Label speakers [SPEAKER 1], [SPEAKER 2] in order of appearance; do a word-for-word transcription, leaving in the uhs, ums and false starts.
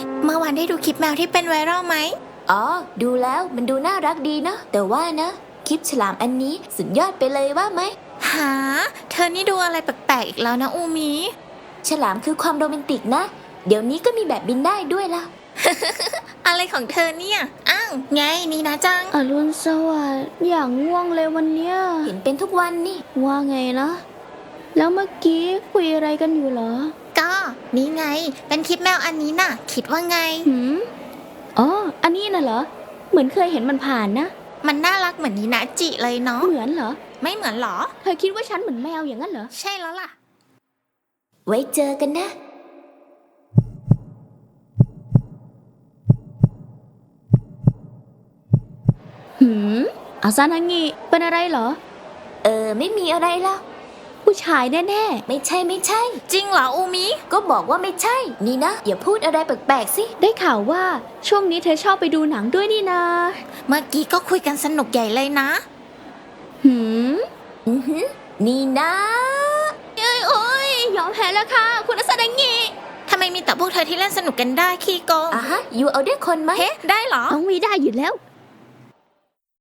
[SPEAKER 1] เมื่อวานได้ดูคลิปแมวที่เป็นไวรัลไหม
[SPEAKER 2] อ๋อดูแล้วมันดูน่ารักดีนะแต่ว่านะคลิปฉลามอันนี้สุดยอดไปเลยว่าไหม
[SPEAKER 1] หาเธอนี่ดูอะไรแปลกๆอีกแล้วนะอูมิ
[SPEAKER 2] ฉลามคือความโรแมนติกนะเดี๋ยวนี้ก็มีแบบบินได้ด้วยล่ะ
[SPEAKER 1] อะไรของเธอเนี่ยอ้าวไงนี่นะจัง
[SPEAKER 3] อรุณสวัสดิ์อย่างง่วงเลยวันเนี้ย
[SPEAKER 2] เห็นเป็นทุกวันนี่
[SPEAKER 3] ว่าไงนะแล้วเมื่อกี้คุยอะไรกันอยู่เหรอ
[SPEAKER 1] ก็นี่ไงเป็นคลิปแมวอันนี้น่ะคิดว่าไง
[SPEAKER 3] หืมอ๋ออันนี้น่ะเหรอเหมือนเคยเห็นมันผ่านนะ
[SPEAKER 1] มันน่ารักเหมือนนีนะจิเลยเนาะ
[SPEAKER 3] เหมือนเหรอ
[SPEAKER 1] ไม่เหมือนหรอ
[SPEAKER 3] เธอคิดว่าฉันเหมือนแมวอย่างนั้นเหรอ
[SPEAKER 1] ใช่แล้วล่ะ
[SPEAKER 2] ไว้เจอกันนะ
[SPEAKER 3] หืมอาซานางิเป็นอะไรเหรอ
[SPEAKER 2] เออไม่มีอะไรแล้ว
[SPEAKER 3] ผู้ชายแน่
[SPEAKER 2] ๆไม่ใช่ไม่ใช่
[SPEAKER 1] จริงเหรออูมิ
[SPEAKER 2] ก็บอกว่าไม่ใช่นี่นะอย่าพูดอะไรแปลกๆสิ
[SPEAKER 3] ได้ข่าวว่าช่วงนี้เธอชอบไปดูหนังด้วยนี่นา
[SPEAKER 1] เมื่อกี้ก็คุยกันสนุกใหญ่เลยนะ
[SPEAKER 3] หืม
[SPEAKER 2] อือหือนี่นะ
[SPEAKER 3] เอ้ยโอ้ยยอมแพ้แล้วค่ะคุณอาซานางิ
[SPEAKER 1] ทำไมมีแต่พวกเธอที่เล่นสนุกกันได้ขี้โกง
[SPEAKER 2] อ่ะฮะอยู่เอาด้วยคนไหม
[SPEAKER 1] เฮ้ได้เหรอ
[SPEAKER 3] ต้องมีได้อยู่แล้ว